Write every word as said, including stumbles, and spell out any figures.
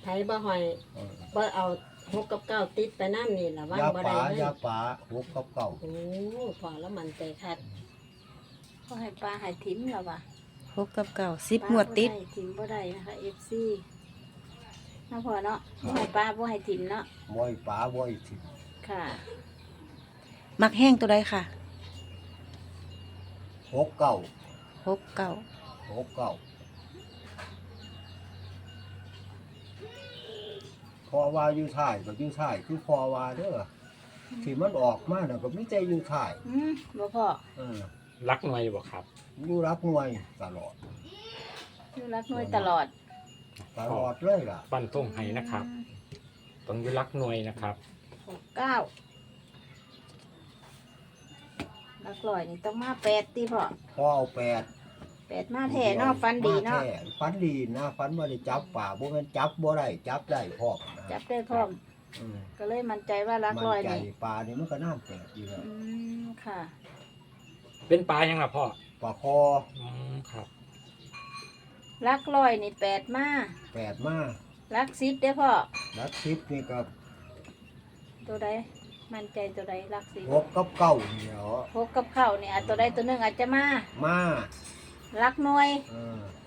ผบ่หอยบ่เอาหกกับเก้าติดไปน้ำนี่ล่ะว่างยาบ่ป่าได้เลยยาป่าหกกับเก้าโอ้พอแล้วมันใจคัดก็ให้ปลาให้ถิ่มแล้วว่ะหกกับเก้าสิบงวดติดปลาบ่ไถิ่มบ่ได้นะคะ เอฟ ซีน้าพอเนาะบ่ให้ปลาบ่ให้ถิ่มเนาะบ่อยป่าบ่อยถิ่นค่ะมักแห้งตัวใดค่ะหกเก้าหกเก้าหกเก้าพอว่าอยู่ท้ายก็อยู่ท้ายคือพอว่าเด้อที่มันออกมาน่ะก็มีแต่อยู่ท้ายอืมบ่พอเออรักหน่วยบ่ครับอยู่รับหน่วยตลอดอยู่รักน้อยตลอดตลอดเลยล่ะปั้นต้งให้นะครับต้องอยู่รักหน่วยนะครับหกเก้ารักร้อยนี่ต้องมาแปดติพ่อพอเอาแปดแปดมาแท้เนาะฟันดีเนาะมแท้ฟันดีนะฟันบ่ได้จับป่าบ่แม่นจับบ่ได้จับได้พร้อมนะจับได้พร้อมอืมก็เลยมั่นใจว่ารักร้อยมั่นใจนี่ปลานี่มันก็น้ำแปดอยู่แล้วอืมค่ะเป็นปลายังล่ะพ่อปลาคออืมครับรักร้อยนี่แปดมาแปดมารักสิบได้อพ่อลักทิพนี่ก็ตัวใดมั่นใจตัวใดรักสิบหกกับเก้านี่เหรอหกกับเข้าเนี่ยตัวใดตัวหนึ่งอาจจะมามารักหน่วยเออ